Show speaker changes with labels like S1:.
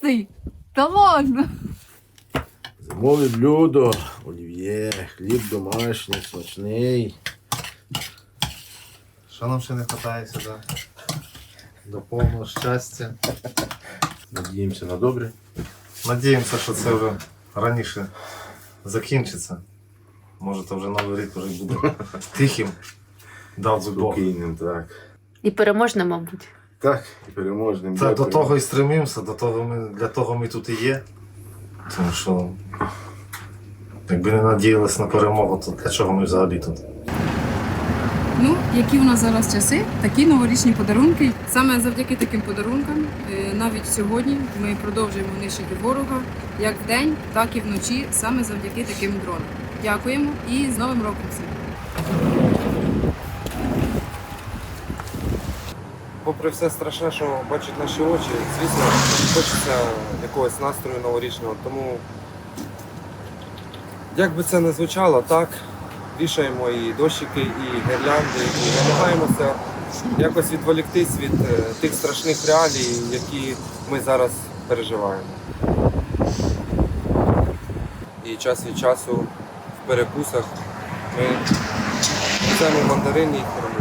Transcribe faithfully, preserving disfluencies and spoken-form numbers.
S1: Толстий? Та ладно.
S2: Зимове блюдо, олів'є, хліб домашній, смачний.
S3: Що нам ще не вистачає сюди? До повного щастя.
S2: Надіємося на добре.
S3: Надіємося, що це вже раніше закінчиться. Може, то вже новий рік вже буде тихим. Дав би Бог.
S2: Спокійним, так.
S4: І переможна, мабуть.
S2: Так, і переможним.
S3: Та, до
S2: Дякую.
S3: того і стремимося, до того ми, для того ми тут і є. Тому що якби не надіялися на перемогу, то для чого ми взагалі тут?
S1: Ну, які у нас зараз часи, такі новорічні подарунки. Саме завдяки таким подарункам, е, навіть сьогодні ми продовжуємо нищити ворога як вдень, так і вночі, саме завдяки таким дронам. Дякуємо і з Новим роком всім!
S5: Попри все страшне, що бачать наші очі, звісно, хочеться якогось настрою новорічного. Тому, як би це не звучало, так, вішаємо і дощики, і гірлянди, і намагаємося якось відволіктись від е, тих страшних реалій, які ми зараз переживаємо. І час від часу в перекусах ми взяємо мандарини.